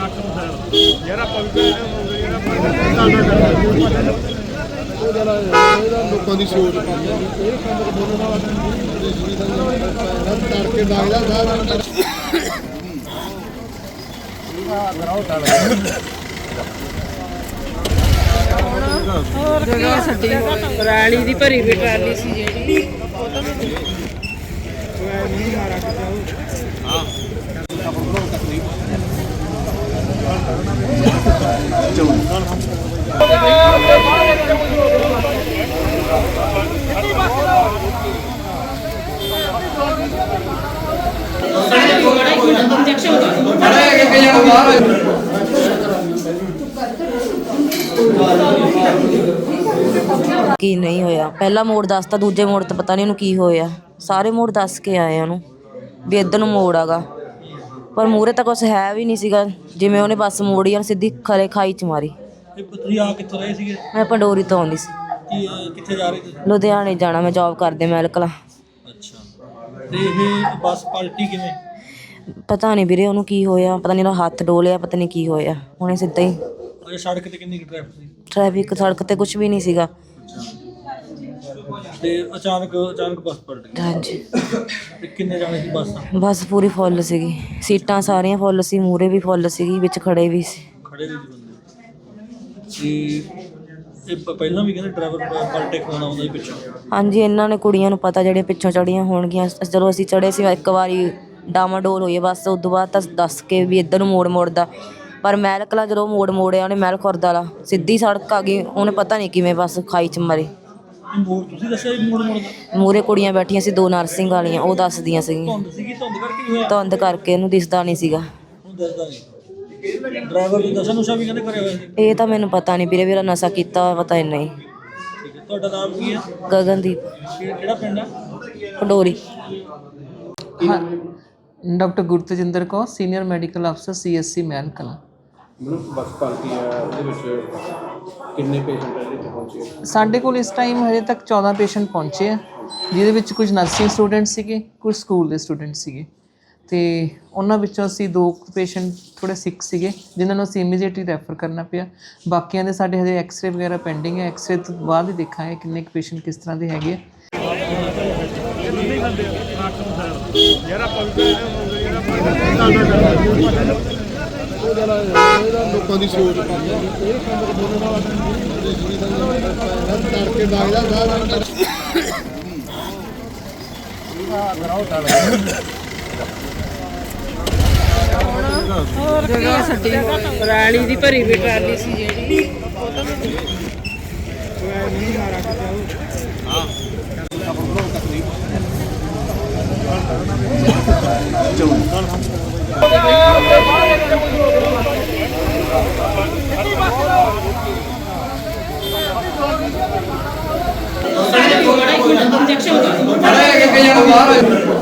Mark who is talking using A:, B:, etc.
A: ਯਾਰ ਆਪਾਂ ਵੀ
B: ਲੋਕਾਂ ਦੀ ਸੋਚ ਇਹ ਕੰਮ ਬੋਲਣ ਵਾਲਾ ਤੜਕੇ ਲੱਗਦਾ ਸਾਰਾ
C: ਹੋਰ ਕੀ ਛੱਡੀ ਪਰਾਲੀ ਦੀ ਭਰੀ ਵੀ ਟਰਾਲੀ ਸੀ ਜਿਹੜੀ
D: ਕੀ ਨਹੀਂ ਹੋਇਆ। ਪਹਿਲਾ ਮੋੜ ਦੱਸਤਾ, ਦੂਜੇ ਮੋੜ ਤੇ ਪਤਾ ਨਹੀਂ ਉਹਨੂੰ ਕੀ ਹੋਇਆ। ਸਾਰੇ ਮੋੜ ਦੱਸ ਕੇ ਆਏ ਉਹਨੂੰ ਵੀ ਇੱਧਰ ਨੂੰ ਮੋੜ ਆਗਾ, ਪਰ ਮੂਹਰੇ ਤਾਂ ਕੁਛ ਹੈ ਵੀ ਨਹੀਂ ਸੀਗਾ। ਜਿਵੇਂ ਉਹਨੇ ਬੱਸ ਮੋੜੀ ਆ ਸਿੱਧੀ ਖਰੇ ਖਾਈ ਚ ਮਾਰੀ।
E: ਤੁਸੀਂ ਆ ਕਿੱਥੋਂ ਰਹੇ ਸੀਗੇ?
D: ਮੈਂ ਪੰਡੋਰੀ ਤੋਂ ਆਉਂਦੀ ਸੀ।
E: ਕਿੱਥੇ ਜਾ ਰਹੇ ਸੀ?
D: ਲੁਧਿਆਣੇ ਜਾਣਾ, ਮੈਂ ਜੌਬ ਕਰਦੇ ਮੈਲਕਲਾ।
E: ਅੱਛਾ, ਤੇ ਇਹ ਬੱਸ ਪਲਟੀ ਕਿਵੇਂ?
D: ਪਤਾ ਨਹੀਂ ਵੀਰੇ ਉਹਨੂੰ ਕੀ ਹੋਇਆ, ਪਤਾ ਨਹੀਂ ਉਹਦਾ ਹੱਥ ਡੋਲਿਆ, ਪਤਾ ਨਹੀਂ ਕੀ ਹੋਇਆ। ਉਹਨੇ ਸਿੱਧਾ ਹੀ
E: ਅਜੇ ਸੜਕ ਤੇ ਕਿੰਨੀ ਟ੍ਰੈਫਿਕ ਸੀ?
D: ਟ੍ਰੈਫਿਕ ਸੜਕ ਤੇ ਕੁਛ ਵੀ ਨਹੀਂ ਸੀਗਾ।
E: ਤੇ ਅਚਾਨਕ ਬੱਸ ਪਲਟ ਗਈ।
D: ਹਾਂਜੀ,
E: ਤੇ ਕਿੰਨੇ ਜਾਣੇ ਸੀ ਬੱਸ?
D: ਬੱਸ ਪੂਰੀ ਫੁੱਲ ਸੀਗੀ, ਸੀਟਾਂ ਸਾਰੀਆਂ ਫੁੱਲ ਸੀ, ਮੂਹਰੇ ਵੀ ਫੁੱਲ ਸੀਗੀ, ਵਿੱਚ ਖੜੇ ਵੀ ਸੀ।
E: ਖੜੇ ਵੀ ਸੀ ਬੰਦੇ। ਤੇ ਇਹ ਪਹਿਲਾਂ ਵੀ ਕਹਿੰਦੇ ਡਰਾਈਵਰ ਪਲਟੇ ਖਵਾਉਣਾ ਆਉਂਦਾ ਸੀ ਪਿੱਛੋਂ।
D: ਹਾਂਜੀ, ਇਹਨਾਂ ਨੇ ਕੁੜੀਆਂ ਨੂੰ ਪਤਾ ਜਿਹੜੀਆਂ ਪਿੱਛੋਂ ਚੜੀਆਂ ਹੋਣਗੀਆਂ। ਜਦੋਂ ਅਸੀਂ ਚੜੇ ਸੀ ਇੱਕ ਵਾਰੀ ਡਾਮਾਡੋਲ ਹੋਈ ਬਸ, ਉਸ ਤੋਂ ਬਾਅਦ ਤਾਂ ਦੱਸ ਕੇ ਵੀ ਇੱਧਰ ਨੂੰ ਮੋੜ ਮੋੜਦਾ। ਪਰ ਮਹਿਲ ਕਲਾਂ ਜਦੋਂ ਮੋੜ ਮੋੜਿਆ ਉਹਨੇ, ਮਹਿਲ ਖੁਰਦ ਵਾਲਾ ਸਿੱਧੀ ਸੜਕ ਆ ਗਈ। ਉਹਨੇ ਪਤਾ ਨਹੀਂ ਕਿਵੇਂ ਬਸ ਖਾਈ ਚ ਮਾਰੇ।
E: ਮੋੜ ਤੁਸੀਂ ਦੱਸਿਆ ਮੋੜ ਮੋੜਦਾ?
D: ਮੂਹਰੇ ਕੁੜੀਆਂ ਬੈਠੀਆਂ ਸੀ, 2 ਨਰਸਿੰਗ ਵਾਲੀਆਂ, ਉਹ ਦੱਸਦੀਆਂ ਸੀਗੀਆਂ।
E: ਧੁੰਦ ਸੀਗੀ? ਧੁੰਦ ਕਰਕੇ ਹੋਇਆ?
D: ਧੁੰਦ ਕਰਕੇ ਉਹਨੂੰ ਦਿਸਦਾ ਨਹੀਂ ਸੀਗਾ।
E: ਉਹਨੂੰ ਦੱਸਦਾ ਨਹੀਂ। ਡਰਾਈਵਰ ਦੀ ਨਸ਼ਾ ਨੁਸ਼ਾ ਵੀ ਕਹਿੰਦੇ ਕਰਿਆ ਹੋਇਆ ਸੀ?
D: ਇਹ ਤਾਂ ਮੈਨੂੰ ਪਤਾ ਨਹੀਂ ਵੀਰੇ, ਮੇਰਾ ਨਸ਼ਾ ਕੀਤਾ ਹੋਇਆ ਪਤਾ ਨਹੀਂ।
E: ਠੀਕ ਹੈ, ਤੁਹਾਡਾ ਨਾਮ ਕੀ ਹੈ?
D: ਗਗਨਦੀਪ,
E: ਕਿਹੜਾ ਪਿੰਡ ਹੈ?
D: Pandori.
F: Doctor Gurtejinder Kaur, senior medical ਅਫਸਰ CSC ਮਹਿਲ ਕਲਾਂ।
B: ਬੱਸ ਪਾਲਕੀ ਆ, ਉਹਦੇ ਵਿੱਚ ਕਿੰਨੇ ਪੇਸ਼ੈਂਟ ਇੱਥੇ ਪਹੁੰਚੇ?
F: ਸਾਡੇ ਕੋਲ ਇਸ ਟਾਈਮ ਹਜੇ ਤੱਕ 14 ਪੇਸ਼ੈਂਟ ਪਹੁੰਚੇ ਆ, ਜਿਹਦੇ ਵਿੱਚ ਕੁਝ ਨਰਸਿੰਗ ਸਟੂਡੈਂਟ ਸੀਗੇ, ਕੁਝ ਸਕੂਲ ਦੇ ਸਟੂਡੈਂਟ ਸੀਗੇ। ਤੇ ਉਹਨਾਂ ਵਿੱਚੋਂ ਅਸੀਂ 2 ਪੇਸ਼ੈਂਟ ਥੋੜ੍ਹੇ ਸਿੱਕ ਸੀਗੇ, ਜਿਨ੍ਹਾਂ ਨੂੰ ਅਸੀਂ ਇਮੀਡੀਏਟਲੀ ਰੈਫਰ ਕਰਨਾ ਪਿਆ। ਬਾਕੀਆਂ ਦੇ ਸਾਡੇ ਹਜੇ ਐਕਸਰੇ ਵਗੈਰਾ ਪੈਂਡਿੰਗ ਹੈ। ਐਕਸਰੇ ਤੋਂ ਬਾਅਦ ਹੀ ਦੇਖਾਂਗੇ ਕਿੰਨੇ ਕੁ ਪੇਸ਼ੈਂਟ ਕਿਸ ਤਰ੍ਹਾਂ ਦੇ ਹੈਗੇ ਆ।
A: ਯਾਰ ਆਪਾਂ ਵੀ
B: ਲੋਕਾਂ ਦੀ ਸੋਚ ਇਹ ਕੰਮ ਬੋਲਣ ਵਾਲਾ ਤੜਕੇ ਲੱਗਦਾ ਸਾਰਾ
C: ਹੋਰ ਕੀ ਛੱਡੀ ਪਰਾਲੀ ਦੀ ਭਰੀ ਵੀ ਟਰਾਲੀ ਸੀ ਜਿਹੜੀ
F: ਬਾਹਰ